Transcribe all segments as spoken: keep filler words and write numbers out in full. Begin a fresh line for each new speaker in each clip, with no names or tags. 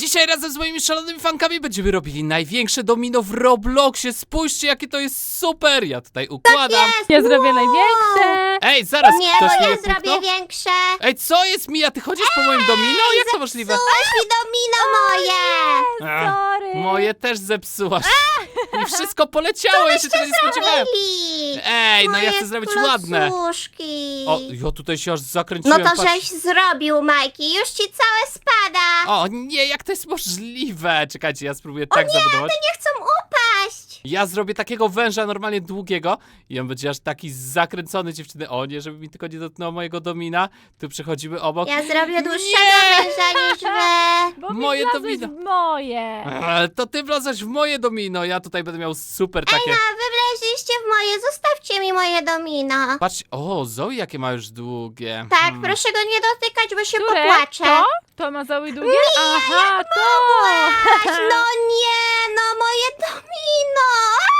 Dzisiaj razem z moimi szalonymi fankami będziemy robili największe domino w Robloxie. Spójrzcie, jakie to jest super. Ja tutaj układam.
Jest!
Ja zrobię
Wow!
największe.
Ej, zaraz,
Nie,
ktoś
bo
mnie
ja zrobię
puknął?
większe.
Ej, co jest, Mija? Ty chodzisz po moim domino? Jak to możliwe?
Zepsułaś mi domino moje!
Ach,
Sorry.
moje też zepsułaś. I wszystko poleciało, ja się tego nie spodziewałem.
Mili!
Ej, no ja
Moje
chcę zrobić ładne.
klocuszki.
O, ja tutaj się aż
No
zakręciłem.
to
patrz.
żeś zrobił, Majki. Już ci całe spada.
O nie, jak to jest możliwe? Czekajcie, ja spróbuję tak zabudować.
Nie chcą upaść.
Ja zrobię takiego węża normalnie długiego i on będzie aż taki zakręcony, dziewczyny. O nie, żeby mi tylko nie dotknęło mojego domina. Tu przechodzimy obok.
Ja zrobię dłuższego
Nie!
węża niż wy.
Bo
Moje
mi
to
wlazłeś
wino.
w moje.
Eee, to ty wlazłeś w moje domino, ja tutaj będę miał super takie.
A wy wleźliście w moje. Zostawcie mi moje domino.
Patrz, o, Zoe jakie ma już długie.
Tak,
Hmm.
proszę go nie dotykać, bo się
Które?
popłaczę.
To? To ma Zoe długie? Aha, to!
No nie, no moje domino.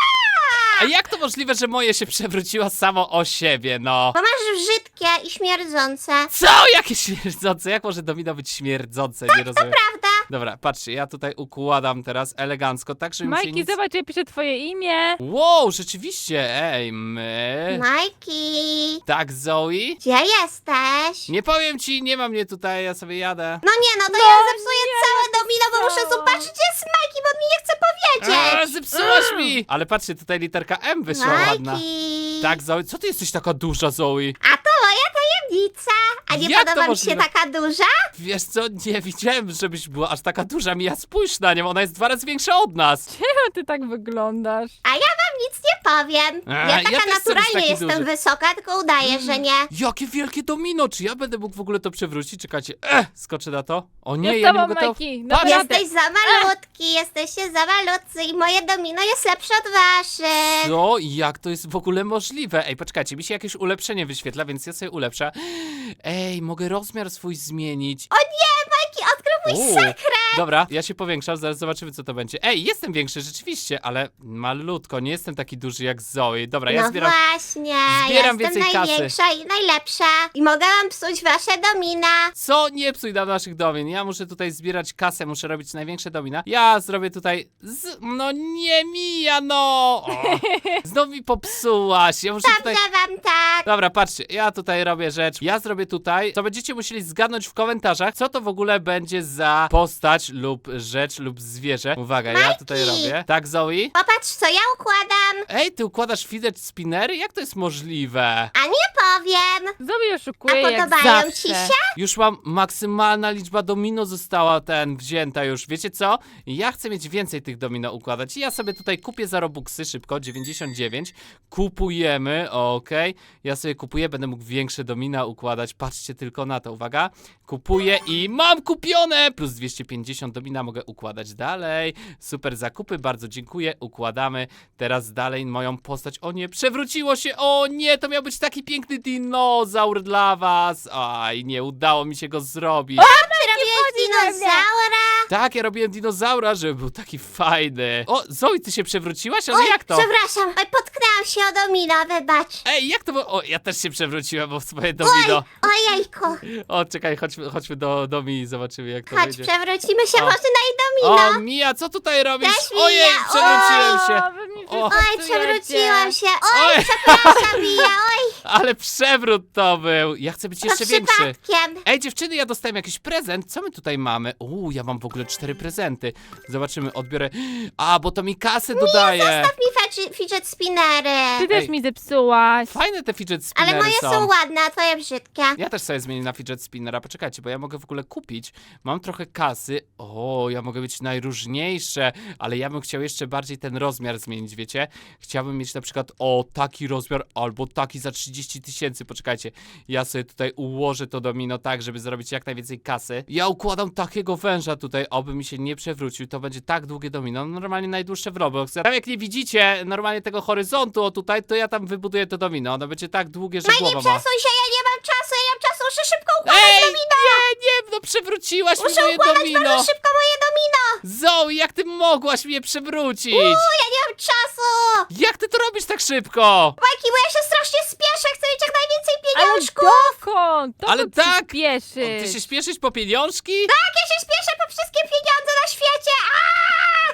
A jak to możliwe, że moje się przewróciło samo o siebie, no?
Bo masz brzydkie i śmierdzące.
Co? Jakie śmierdzące? Jak może domino być śmierdzące? Nie rozumiem.
Prawda?
Dobra, patrzcie, ja tutaj układam teraz elegancko, tak żeby mi się
Majki,
nic...
zobacz, ja piszę twoje imię.
Wow, rzeczywiście, ej, my...
Majki,
Tak, Zoe?
gdzie jesteś?
Nie powiem ci, nie ma mnie tutaj, ja sobie jadę.
No nie, no to
No
ja zepsuję
nie,
całe domino, bo muszę
co?
zobaczyć, gdzie jest Majki, bo on mi nie chce
A,
powiedzieć.
zepsułaś mi! Ale patrzcie, tutaj literka M wyszła ładna.
Majki.
Tak, Zoe, co ty jesteś taka duża, Zoe?
A to moja tajemnica. A nie
Jak to
podoba mi się
możliwe?
taka duża?
Wiesz co, nie widziałem, żebyś była aż taka duża, Mija, spójrz na nią, ona jest dwa razy większa od nas.
Czemu ty tak wyglądasz?
A ja wam nic nie powiem.
A,
Ja
ja
taka
też chcę być
naturalnie
taki
jestem
duży.
wysoka, tylko udaję, że nie.
Jakie wielkie domino, czy ja będę mógł w ogóle to przewrócić? Czekajcie, eh, skoczę na to. O nie,
Ja z
ja nie
tobą,
mogę to...
Majki,
Patrz,
naprawdę.
Jesteś za malutki, jesteście za malutcy i moje domino jest lepsze od waszych.
Co? Jak to jest w ogóle możliwe? Ej, poczekajcie, mi się jakieś ulepszenie wyświetla, więc ja sobie ulepszę. Ej, mogę rozmiar swój zmienić.
O nie, Majki, odkrył mój
Uuu,
sekret.
Dobra, ja się powiększam, zaraz zobaczymy, co to będzie. Ej, jestem większy rzeczywiście, ale malutko, nie jestem taki duży jak Zoe. Dobra, ja
No
zbieram...
właśnie,
zbieram
jestem
więcej kasy.
największa i najlepsza i mogę wam psuć wasze domina.
Co? Nie psuj nam naszych domin. Ja muszę tutaj zbierać kasę, muszę robić największe domina. Ja zrobię tutaj... Z... No nie, Mija, no! O, znowu mi popsułaś. Ja muszę tutaj...
Dobrze wam tak.
Dobra, patrzcie, ja tutaj robię rzecz. Ja zrobię tutaj, to będziecie musieli zgadnąć w komentarzach, co to w ogóle będzie za postać lub rzecz lub zwierzę. Uwaga, ja
Majki!
tutaj robię. Tak, Zoe?
Popatrz, co ja układam.
Ej, ty układasz fidget spinnery? Jak to jest możliwe?
A nie powiem.
Zoe oszukuje
A
jak
podobają
zawsze.
ci się?
Już mam maksymalna liczba domino została ten wzięta już. Wiecie co? Ja chcę mieć więcej tych domino układać i ja sobie tutaj kupię za robuxy szybko, dziewięćdziesiąt dziewięć. Kupujemy, okej. Ja sobie kupuję, będę mógł większe domina układać. Patrzcie tylko na to, uwaga. Kupuję i mam kupione! Plus dwieście pięćdziesiąt domina mogę układać dalej. Super zakupy, bardzo dziękuję. Układamy teraz dalej moją postać. O nie, przewróciło się! O nie, to miał być taki piękny dinozaur dla was. Aj, nie udało mi się go zrobić.
Ty robiłeś
chodzi we mnie.
dinozaura?
Tak, ja robiłem dinozaura, żeby był taki fajny. O, Zoe, ty się przewróciłaś? Ale jak to?
Przepraszam, oj, potknęłam się o domino, wybacz.
Ej, jak to było? O, ja też się przewróciłem, bo w swoje domino.
Ojejku,
O, czekaj, chodźmy, chodźmy do, do mi i zobaczymy, jak to
chodź,
będzie.
przewrócimy się
O.
może na jej domino.
O, Mija, co tutaj robisz?
Cześć, Mija.
Ojej, przewróciłem się.
O, wy mi
O.
wszystko
Oj,
psujecie.
przewróciłam się. Oj,
Oj,
przepraszam, Mija, oj,
ale przewrót to był. Ja chcę być
to
jeszcze większy.
przypadkiem.
Ej, dziewczyny, ja dostałem jakiś prezent. Co my tutaj mamy? Uuu, ja mam w ogóle cztery prezenty. Zobaczymy, odbiorę. A, bo to mi kasę dodaje.
Zostaw mi fidget- fidget spinnery.
Ty też
Ej.
mi zepsułaś.
Fajne te fidget spinnery
Ale moje
są.
są ładne, a twoje brzydkie.
Ja też sobie zmienię na fidget spinnera. Poczekajcie, bo ja mogę w ogóle kupić. Mam trochę kasy. O, ja mogę być najróżniejsze, ale ja bym chciał jeszcze bardziej ten rozmiar zmienić, wiecie? Chciałbym mieć na przykład o taki rozmiar albo taki za trzydzieści tysięcy. Poczekajcie, ja sobie tutaj ułożę to domino tak, żeby zrobić jak najwięcej kasy. Ja układam takiego węża tutaj, oby mi się nie przewrócił. To będzie tak długie domino, normalnie najdłuższe w Roblox. Tam jak nie widzicie normalnie tego horyzontu o tutaj, to ja tam wybuduję to domino. Ono będzie tak długie, że
Majki,
głowa ma.
przesuń się, ja nie mam czasu, ja nie mam czasu, muszę szybko układać
Ej,
domino.
nie, nie, no przewróciłaś mi
Muszę
moje
układać
domino.
bardzo szybko moje domino.
Zoe, jak ty mogłaś mnie przewrócić?
Uuu, ja nie mam czasu.
Jak ty to robisz tak szybko?
Majki, bo ja się strasznie spieszę, chcę mieć jak najwięcej
Ale
pieniążków.
dokąd?
Ale
Dokąd
tak.
przyspieszysz?
Ty się śpieszysz po pieniążki?
Tak, ja się spieszę po wszystkie pieniądze na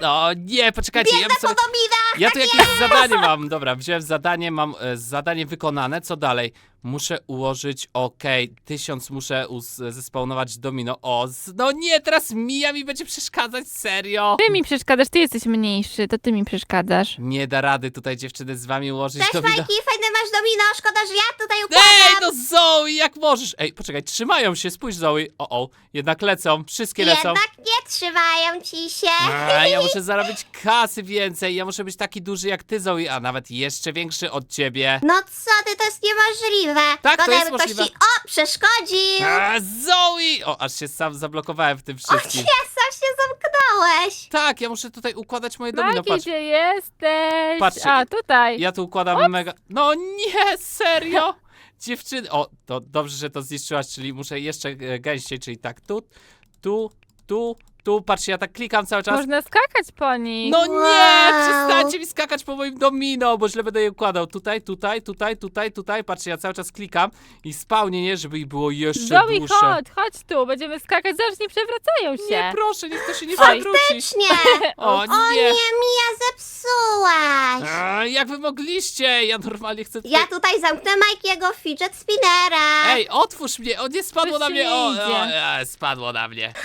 No nie, poczekajcie, ja
Biegnę
bym sobie...
po dominach!
Ja tu jakieś zadanie mam. Dobra, wziąłem zadanie, mam e, zadanie wykonane. Co dalej? Muszę ułożyć, okej, tysiąc muszę uz- zespawnować domino. O, z- no nie, teraz Mija mi będzie przeszkadzać, serio.
Ty mi przeszkadzasz, ty jesteś mniejszy, to ty mi przeszkadzasz.
Nie da rady tutaj dziewczyny z wami ułożyć
Cześć,
domino.
Majki, fajne masz domino, szkoda, że ja tutaj
Ej,
układam.
no Zoe, jak możesz? Ej, poczekaj, trzymają się, spójrz Zoe. O, o, jednak lecą, wszystkie lecą.
Jednak nie trzymają ci się.
A, ja muszę zarobić kasy więcej, ja muszę być taki duży jak ty, Zoe, a nawet jeszcze większy od ciebie.
No co ty, to jest niemożliwe.
Tak, to
Szkoda,
jest
jakby ktoś
możliwe.
ci, o, przeszkodził.
A, Zoe! O, aż się sam zablokowałem w tym
O nie,
wszystkim.
sam się zamknąłeś.
Tak, ja muszę tutaj układać moje domino,
Maki,
patrz.
gdzie jesteś?
Patrzcie,
A, tutaj.
Ja tu układam mega... No nie, serio? Dziewczyny... O, to dobrze, że to zniszczyłaś, czyli muszę jeszcze e, gęściej, czyli tak tu, tu, tu, tu. Patrzcie, ja tak klikam cały czas.
Można skakać po nich.
No nie!
Wow.
Przestańcie mi skakać po moim domino, bo źle będę je układał. Tutaj, tutaj, tutaj, tutaj, tutaj. Patrzcie, ja cały czas klikam i spałnie, nie? Żeby ich było jeszcze
Zoe,
dłuższe.
chodź, chodź tu, będziemy skakać, zaraz nie przewracają się.
Nie, proszę, niech to się nie
Oj.
przewróci.
Faktycznie.
O
O
nie!
nie, Mija, zepsułaś.
A, jak wy mogliście? Ja normalnie chcę tutaj...
Ja tutaj zamknę Majkiego fidget spinnera.
Ej, otwórz mnie! O, nie spadło
Coś
na
ci
mnie!
nie
O,
idzie.
o, e, spadło na mnie.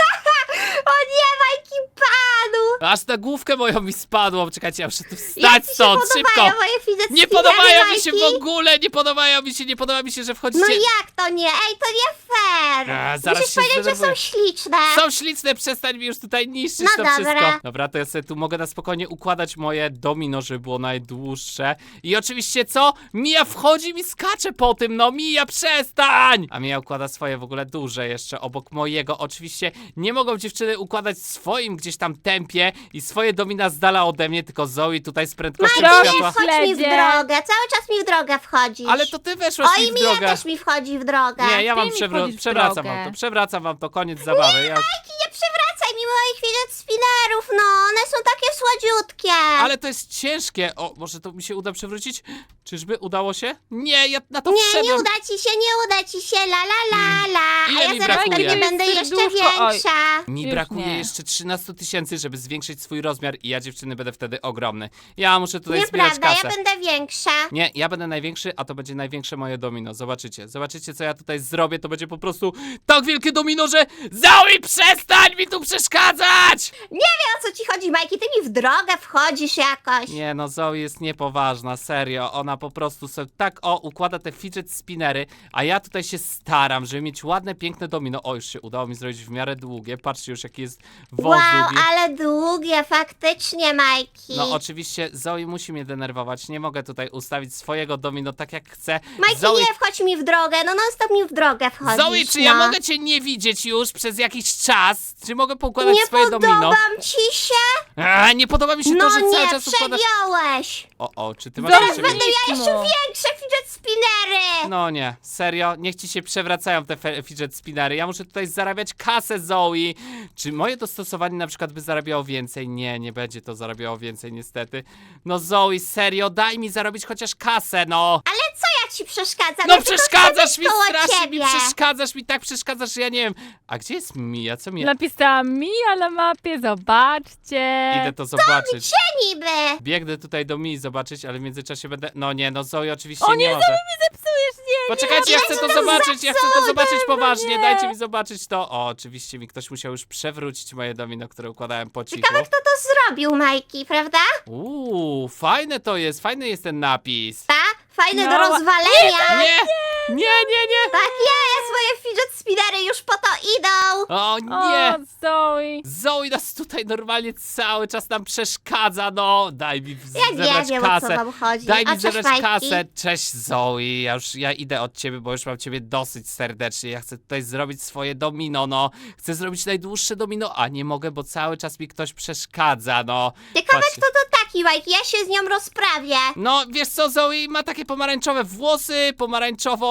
O nie, Majki padł.
Aż na główkę moją mi spadło. Czekajcie, ja muszę tu
Jak
wstać
ci się
stąd,
podobają
szybko!
moje fidget
Nie
spinnery,
podobają mi się
Majki?
w ogóle, nie podobają mi się, nie podoba mi się, że wchodzicie...
No jak to nie? Ej, to nie fair.
A, zaraz
Musisz
się
powiedzieć, że są
zdenerwuję.
śliczne.
Są śliczne, przestań mi już tutaj niszczyć
No
to
dobra.
wszystko. Dobra, to ja sobie tu mogę na spokojnie układać moje domino, żeby było najdłuższe. I oczywiście co? Mija wchodzi i mi skacze po tym, no Mija, przestań! A Mija układa swoje w ogóle duże jeszcze obok mojego. Oczywiście nie mogą dziewczyny układać w swoim gdzieś tam tempie i swoje domina z dala ode mnie, tylko Zoe tutaj z prędkością
Majki,
Majki,
światła.
nie wchodź mi w
Śledzie.
drogę. Cały czas mi w drogę wchodzisz.
Ale to ty weszłaś
O,
mi
i
w
Mija
drogę.
też mi wchodzi w drogę.
Nie, ja
Ty
mam
mi
przewró-
wchodzisz w
przewracam
drogę.
wam to, przewracam wam to, koniec zabawy. Ja już...
Majki, nie przywracaj mi moich fidget spinnerów, no. One są takie słodziutkie.
Ale to jest ciężkie. O, może to mi się uda przewrócić? Czyżby udało się? Nie, ja na to
Nie,
wszedłem.
nie uda ci się, nie uda ci się, la la la la.
Ile
A ja
mi
zaraz
brakuje?
pewnie będę
Jest
jeszcze
serduszko, oj.
większa.
Mi
Już
brakuje
nie.
jeszcze trzynaście tysięcy, żeby zwiększyć swój rozmiar i ja, dziewczyny, będę wtedy ogromny. Ja muszę tutaj zbierać
Nieprawda,
kasę.
ja będę większa.
Nie, ja będę największy, a to będzie największe moje domino. Zobaczycie, zobaczycie, co ja tutaj zrobię. To będzie po prostu tak wielkie domino, że Zoe, przestań mi tu przeszkadzać!
Nie wiem, o co ci chodzi, Majki, ty mi w drogę wchodzisz jakoś.
Nie, no Zoe jest niepoważna, serio. Ona po prostu sobie tak, o, układa te fidget spinnery, a ja tutaj się staram, żeby mieć ładne, piękne domino. O, już się udało mi zrobić w miarę długie. Patrzcie już, jaki jest wąs
Wow,
długi.
ale długie, faktycznie, Majki.
No oczywiście Zoe musi mnie denerwować. Nie mogę tutaj ustawić swojego domino tak jak chcę.
Majki,
Zoe,
nie wchodź mi w drogę, no non stop mi w drogę wchodzisz.
Zoe, czy ja
no.
mogę cię nie widzieć już przez jakiś czas? Czy mogę poukładać
Nie
swoje
podobam
domino?
ci się?
A, nie podoba mi się
No
to, że cały
nie,
czas układasz...
przegiąłeś.
O, o, czy ty masz
Zaraz
jeszcze więcej?
Będę ja jeszcze
mu.
większe fidget spinnery.
No nie, serio? Niech ci się przewracają te fe- fidget spinnery. Ja muszę tutaj zarabiać kasę, Zoe. Czy moje dostosowanie na przykład by zarabiało więcej? Nie, nie będzie to zarabiało więcej niestety. No Zoe, serio, daj mi zarobić chociaż kasę, no.
Ale co ja ci przeszkadzam?
No
Ja tylko
przeszkadzasz
chcę
mi
być koło
strasznie, mi
ciebie.
przeszkadzasz mi, tak przeszkadzasz, że ja nie wiem. A gdzie jest Mija? Co Mija?
Napisałam Mija na mapie, zobaczcie.
Idę to zobaczyć.
Gdzie niby?
Biegnę tutaj do Mii zobaczyć, ale w międzyczasie będę... No nie, no Zoe oczywiście
O
nie
nie,
może.
Zoe mi zepsujesz, nie,
Poczekajcie, ja
Ja
chcę
ci
to
to
zobaczyć, ja chcę to
zepsułem,
zobaczyć
no
poważnie,
nie.
dajcie mi zobaczyć to. O, oczywiście mi ktoś musiał już przewrócić moje domino, które układałem po cichu.
Ciekawe, kto to zrobił, Majki, prawda?
Uuu, fajne to jest, fajny jest ten napis.
Ta? Fajny
No,
do rozwalenia.
Nie, nie, nie, nie.
Tak jest, moje fidget spinnery już po to idą.
O
O,
nie.
Zoe.
Zoe nas tutaj normalnie cały czas nam przeszkadza, no. Daj mi w-
Ja
zebrać
nie wiem, o co
kasę.
wam chodzi.
Daj
O,
mi
cześć,
zebrać
Majki.
kasę. Cześć Zoe, ja już ja idę od ciebie, bo już mam ciebie dosyć serdecznie. Ja chcę tutaj zrobić swoje domino, no. Chcę zrobić najdłuższe domino, a nie mogę, bo cały czas mi ktoś przeszkadza, no.
Ciekawe,
Patrzcie.
kto to taki, Majki, ja się z nią rozprawię.
No, wiesz co, Zoe ma takie pomarańczowe włosy, pomarańczową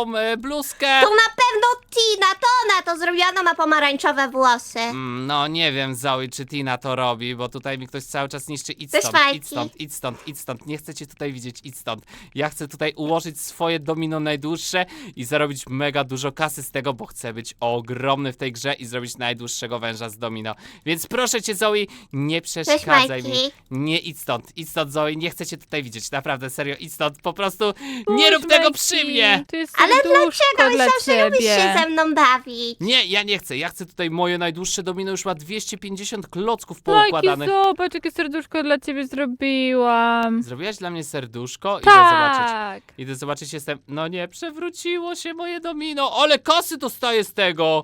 tą e, bluzkę.
To na pewno Tina, to ona to zrobiona, ma pomarańczowe włosy.
Mm, no nie wiem, Zoe, czy Tina to robi, bo tutaj mi ktoś cały czas niszczy. Idź
Cześć,
stąd, idź
Majki.
stąd, idź stąd, idź stąd. Nie chcę cię tutaj widzieć, idź stąd. Ja chcę tutaj ułożyć swoje domino najdłuższe i zarobić mega dużo kasy z tego, bo chcę być ogromny w tej grze i zrobić najdłuższego węża z domino. Więc proszę cię, Zoe, nie przeszkadzaj mi.
Majki.
Nie, idź stąd, idź stąd, Zoe, nie chcę cię tutaj widzieć, naprawdę, serio, idź stąd, po prostu nie rób
Spójrz,
tego
Majki,
przy mnie.
Tu jest
Ale
serduszko
dlaczego?
dla
Myślałam, że lubisz się
ciebie.
ze mną bawić.
Nie, ja nie chcę, ja chcę tutaj moje najdłuższe domino, już ma dwieście pięćdziesiąt klocków
Majki,
poukładanych.
zobacz, jakie serduszko dla ciebie zrobiłam.
Zrobiłaś dla mnie serduszko? Idę zobaczyć.
Tak.
Idę zobaczyć, jestem... No nie, przewróciło się moje domino. Ale kasy dostaję z tego.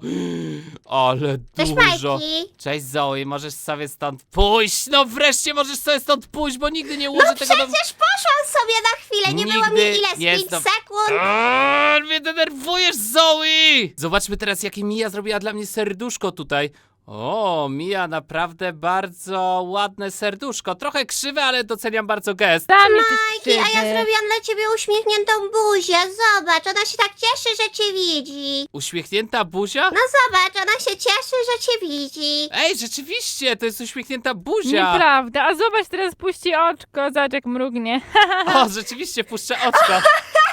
Ale
Cześć,
dużo.
Majki.
Cześć, Zoe, możesz sobie stąd pójść. No wreszcie możesz sobie stąd pójść, bo nigdy nie ułożę
No
tego domu.
przecież poszłam sobie na chwilę, nie było
Nigdy
mi ile, z
nie
pięć
jestem-
sekund.
Aaaa, mnie denerwujesz, Zoe! Zobaczmy teraz, jakie Mia zrobiła dla mnie serduszko tutaj. O, Mia, naprawdę bardzo ładne serduszko. Trochę krzywe, ale doceniam bardzo gest.
Tam
Majki, a ja zrobiłam dla ciebie uśmiechniętą buzię. Zobacz, ona się tak cieszy, że cię widzi.
Uśmiechnięta buzia?
No zobacz, ona się cieszy, że cię widzi.
Ej, rzeczywiście, to jest uśmiechnięta buzia.
Nieprawda, a zobacz, teraz puści oczko, zobacz jak mrugnie.
O, rzeczywiście, puszczę oczko.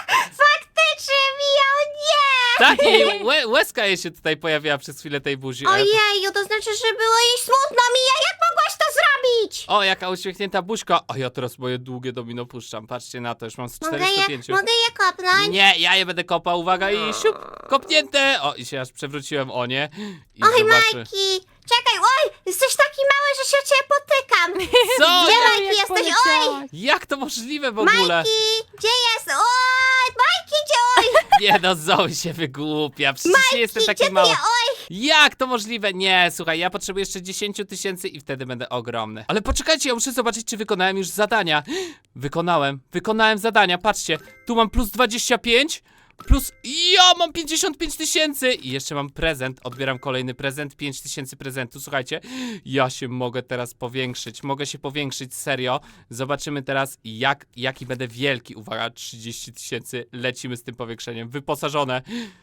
Faktycznie, Mija, o nie!
Tak, jej łe, łezka jej się tutaj pojawiła przez chwilę tej buzi. E,
Ojeju, to znaczy, że było jej smutno, Mija, jak mogłaś to zrobić?
O, jaka uśmiechnięta buźka. A ja teraz moje długie domino puszczam. Patrzcie na to, już mam z
Mogę
czterystu
je,
pięć.
mogę je kopnąć?
Nie, ja je będę kopał, uwaga, i siup, kopnięte. O, i się aż przewróciłem, o nie. I
Oj,
zobaczę.
Majki, czekaj, oj, jesteś taki mały, że się o ciebie potykam.
Co?
Gdzie
Jak,
Majki
Jak
jesteś? Oj,
poleciałaś.
jak to możliwe w ogóle?
Majki, gdzie jest? Oj, Majki, gdzie? Oj,
Nie no, Zoe się wygłupia, przecież nie jestem
gdzie
taki
ty
mały.
je? Oj,
Jak to możliwe? Nie, słuchaj, ja potrzebuję jeszcze dziesięć tysięcy i wtedy będę ogromny. Ale poczekajcie, ja muszę zobaczyć, czy wykonałem już zadania. Wykonałem, wykonałem zadania, patrzcie. Tu mam plus dwadzieścia pięć, plus... Ja mam pięćdziesiąt pięć tysięcy i jeszcze mam prezent, odbieram kolejny prezent, pięć tysięcy prezentu. Słuchajcie, ja się mogę teraz powiększyć, mogę się powiększyć, serio. Zobaczymy teraz, jak, jaki będę wielki. Uwaga, trzydzieści tysięcy, lecimy z tym powiększeniem, wyposażone.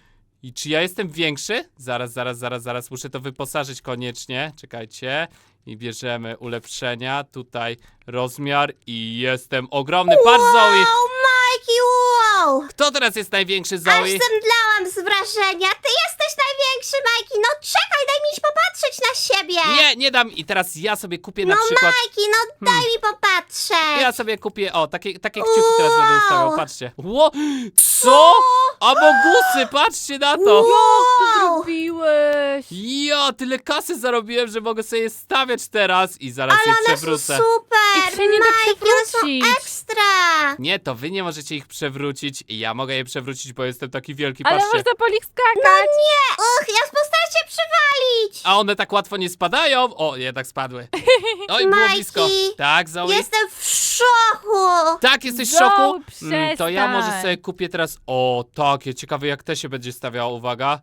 I czy ja jestem większy? Zaraz, zaraz, zaraz, zaraz. Muszę to wyposażyć koniecznie. Czekajcie. I bierzemy ulepszenia. Tutaj rozmiar i jestem ogromny. Patrz, Zoe!
wow, Majki, wow.
Kto teraz jest największy,
Aż
Zoe?
zemdlałam z wrażenia. Ty jesteś największy, Majki. No czekaj, daj mi popatrzeć na siebie.
Nie, nie dam. I teraz ja sobie kupię na
No
przykład...
Majki, no daj mi popatrzeć.
Ja sobie kupię, o, takie, takie kciuki teraz będę
Wow.
ustawiał, patrzcie. Ło, co? Abogusy, patrzcie na to.
Co
Wow.
zrobiłeś?
Ja, tyle kasy zarobiłem, że mogę sobie je stawiać teraz i zaraz
Ale
je
one są
przewrócę.
super.
Ich się nie da
Majki, one są
przewrócić.
ekstra.
Nie, to wy nie możecie ich przewrócić i ja mogę je przewrócić, bo jestem taki wielki,
Ale
patrzcie.
można po nich
No
skakać.
nie. Uch, ja postaram się przywalić.
A one tak łatwo nie spadają. O, jednak spadły. Oj, było
Majki,
blisko. Tak, Zoe?
Jestem w szoku.
Tak, jesteś w
Zoe,
szoku? to ja
przestań.
może sobie kupię teraz... O, takie, ciekawe jak te się będzie stawiało, uwaga.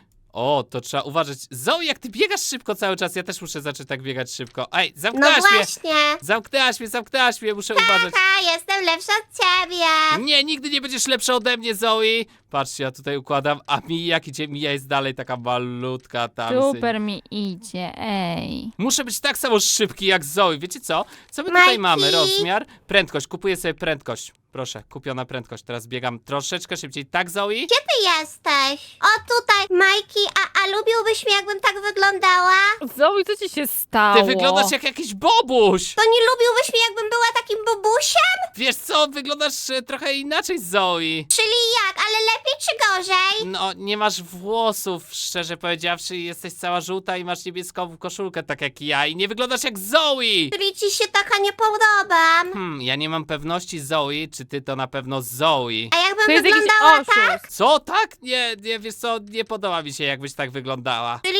O, to trzeba uważać. Zoe, jak ty biegasz szybko cały czas, ja też muszę zacząć tak biegać szybko. Ej,
No
zamknęłaś mnie!
właśnie.
Zamknęłaś mnie, zamknęłaś mnie, muszę uważać.
Haha, jestem lepsza od ciebie.
Nie, nigdy nie będziesz lepsza ode mnie, Zoe. Patrzcie, ja tutaj układam, a mi jak idzie, Mija jest dalej taka malutka tam.
Super mi idzie, ej.
Muszę być tak samo szybki jak Zoe. Wiecie co? Co my tutaj
Majki.
mamy? Rozmiar? Prędkość. Kupuję sobie prędkość. Proszę, kupiona prędkość. Teraz biegam troszeczkę szybciej. Tak, Zoe?
Gdzie ty jesteś? O tutaj, Majki, a, a lubiłbyś mnie, jakbym tak wyglądała?
Zoe, co ci się stało?
Ty wyglądasz jak jakiś bobuś!
To nie lubiłbyś mnie, jakbym była takim bubusiem?
Wiesz co? Wyglądasz e, trochę inaczej, Zoe.
Czyli jak, ale lepiej czy gorzej?
No, nie masz włosów, szczerze powiedziawszy. Jesteś cała żółta i masz niebieską koszulkę, tak jak ja. I nie wyglądasz jak Zoe!
Czyli ci się taka nie podobam.
Hmm, ja nie mam pewności, Zoe, czy ty to na pewno Zoe.
A jakbym
To jest jakiś
wyglądała tak?
oszust.
Co? Tak? Nie, nie, wiesz co? Nie podoba mi się, jakbyś tak wyglądała.
Czyli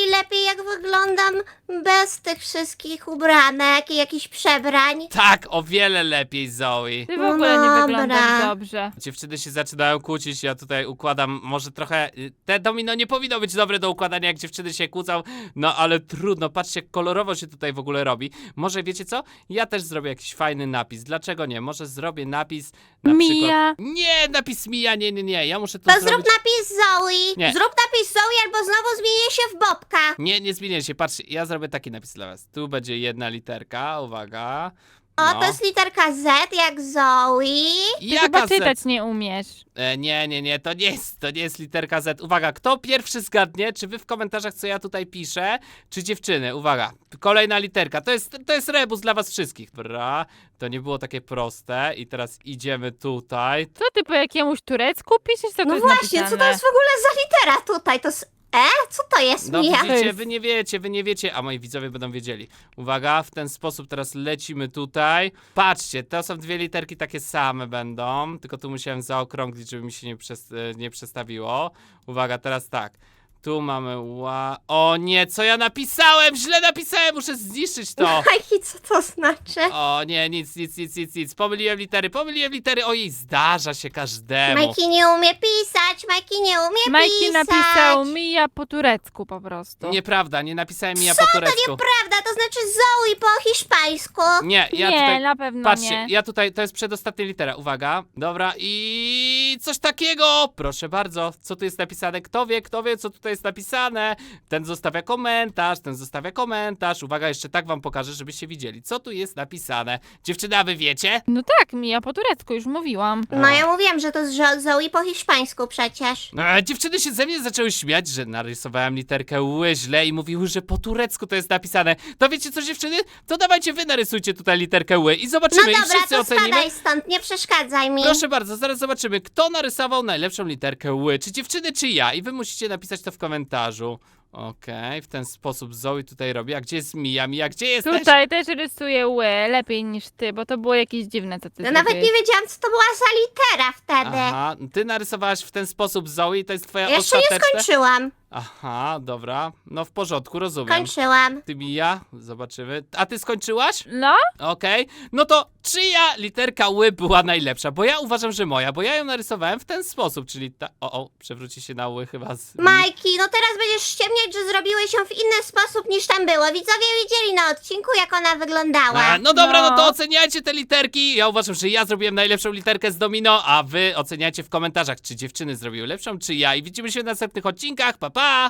bardziej lepiej, jak wyglądam bez tych wszystkich ubranek i jakichś przebrań.
Tak, o wiele lepiej, Zoe.
Ty w ogóle nie
Dobra.
wyglądasz dobrze.
Dziewczyny się zaczynają kłócić, ja tutaj układam, może trochę, y, te domino nie powinno być dobre do układania, jak dziewczyny się kłócą, no ale trudno, patrzcie, jak kolorowo się tutaj w ogóle robi. Może wiecie co? Ja też zrobię jakiś fajny napis, dlaczego nie? Może zrobię napis na
Mia.
przykład... Nie, napis Mia, nie, nie, nie, ja muszę to,
To
zrobić...
zrób napis Zoe.
Nie.
Zrób napis Zoe, albo znowu zmienię się w Bobka.
Nie, nie zmienię się, patrzcie, ja zrobię taki napis dla was. Tu będzie jedna literka, uwaga.
O,
No.
to jest literka Z, jak Zoe.
Ty
Jaka
chyba
Z?
czytać nie umiesz.
E, nie, nie, nie, to nie jest, to nie jest literka Z. Uwaga, kto pierwszy zgadnie, czy wy w komentarzach, co ja tutaj piszę, czy dziewczyny? Uwaga, kolejna literka, to jest, to jest rebus dla was wszystkich. Dobra, to nie było takie proste i teraz idziemy tutaj.
Co ty po jakiemuś turecku piszesz? Co to
No
jest
właśnie,
napisane?
co to jest w ogóle za litera tutaj? To jest E? Co to jest,
No
Mia?
widzicie,
jest-
wy nie wiecie, wy nie wiecie, a moi widzowie będą wiedzieli. Uwaga, w ten sposób teraz lecimy tutaj. Patrzcie, to są dwie literki takie same będą, tylko tu musiałem zaokrąglić, żeby mi się nie, przes nie przestawiło. Uwaga, teraz tak. Tu mamy ła... O nie, co ja napisałem? Źle napisałem, muszę zniszczyć to.
Majki, co to znaczy?
O nie, nic, nic, nic, nic, nic. Pomyliłem litery, pomyliłem litery. Ojej, zdarza się każdemu.
Majki nie umie pisać, Majki nie umie
Majki
pisać.
napisał Mija po turecku po prostu.
Nieprawda, nie napisałem ja
Co
po
to
turecku.
nieprawda, to znaczy Zoe po hiszpańsku.
Nie, ja
nie,
tutaj...
na pewno
Patrzcie,
nie.
ja tutaj, to jest przedostatnia litera, uwaga, dobra i coś takiego, proszę bardzo, co tu jest napisane, kto wie, kto wie, co tutaj jest napisane, ten zostawia komentarz, ten zostawia komentarz, uwaga, jeszcze tak wam pokażę, żebyście widzieli, co tu jest napisane, dziewczyna, wy wiecie?
No tak, Mija po turecku, już mówiłam.
No ja mówiłam, że to jest Zo- Zoe po hiszpańsku przecież.
E, dziewczyny się ze mnie zaczęły śmiać, że narysowałem literkę ły źle i mówiły, że po turecku to jest napisane, to wiecie co, dziewczyny, to dawajcie wy narysujcie tutaj literkę ły i
No
zobaczymy, i
dobra,
wszyscy
to
ocenimy.
spadaj stąd, nie przeszkadzaj mi.
Proszę bardzo, zaraz zobaczymy, kto narysował najlepszą literkę ły, czy dziewczyny, czy ja. I wy musicie napisać to w komentarzu. Okej, w ten sposób Zoe tutaj robi. A gdzie jest Mia? Mia, gdzie jesteś?
Tutaj też rysuję ły, lepiej niż ty, bo to było jakieś dziwne, co ty
No nawet
zrobiłeś.
nie wiedziałam, co to była za litera wtedy.
Aha, ty narysowałaś w ten sposób Zoe, to jest twoja
Jeszcze nie
ostateczna...
skończyłam.
Aha, dobra, no w porządku, rozumiem.
Kończyłam.
Ty Mia, zobaczymy. A ty skończyłaś?
No,
Okej, no to czyja literka ły była najlepsza? Bo ja uważam, że moja, bo ja ją narysowałem w ten sposób, czyli ta... O, o, przewróci się na ły chyba z...
Majki, no teraz będziesz ściemniać, że zrobiłeś ją w inny sposób niż tam było. Widzowie widzieli na odcinku, jak ona wyglądała.
A, no dobra, no.
No.
to oceniajcie te literki. Ja uważam, że ja zrobiłem najlepszą literkę z domino, a wy oceniajcie w komentarzach, czy dziewczyny zrobiły lepszą, czy ja. I widzimy się w następnych odcinkach. Pa, pa!